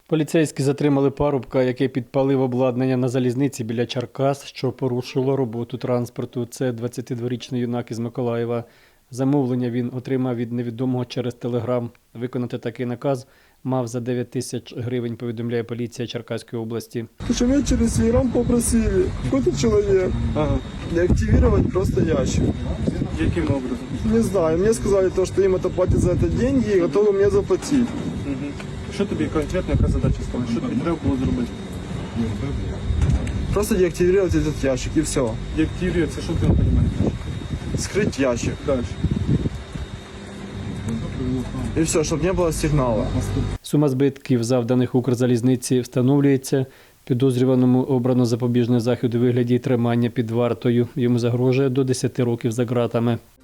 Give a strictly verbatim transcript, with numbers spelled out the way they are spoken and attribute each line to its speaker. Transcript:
Speaker 1: Поліцейські затримали парубка, який підпалив обладнання на залізниці біля Черкас, що порушило роботу транспорту. Це двадцятидворічний юнак із Миколаєва. Замовлення він отримав від невідомого через телеграм. Виконати такий наказ мав за дев'ять тисяч гривень, повідомляє поліція Черкаської області.
Speaker 2: Что меня через телеграм попросили, какой-то человек,
Speaker 3: Ага.
Speaker 2: деактивировать просто ящик.
Speaker 3: Яким образом?
Speaker 2: Не знаю, мне сказали то, что им это платят за это деньги и готовы мне заплатить.
Speaker 3: Угу. Що тобі конкретно, яка задача стала? Що тобі треба було зробити?
Speaker 2: Просто деактивировать этот ящик и все.
Speaker 3: Деактивує, це що ти не розумієш?
Speaker 2: Скрыть ящик.
Speaker 3: Далі.
Speaker 2: И все, чтобы не было сигнала.
Speaker 1: Сума збитків, завданих Укрзалізниці, встановлюється. Підозрюваному обрано запобіжний захід у вигляді тримання під вартою. Йому загрожує до десяти років за ґратами.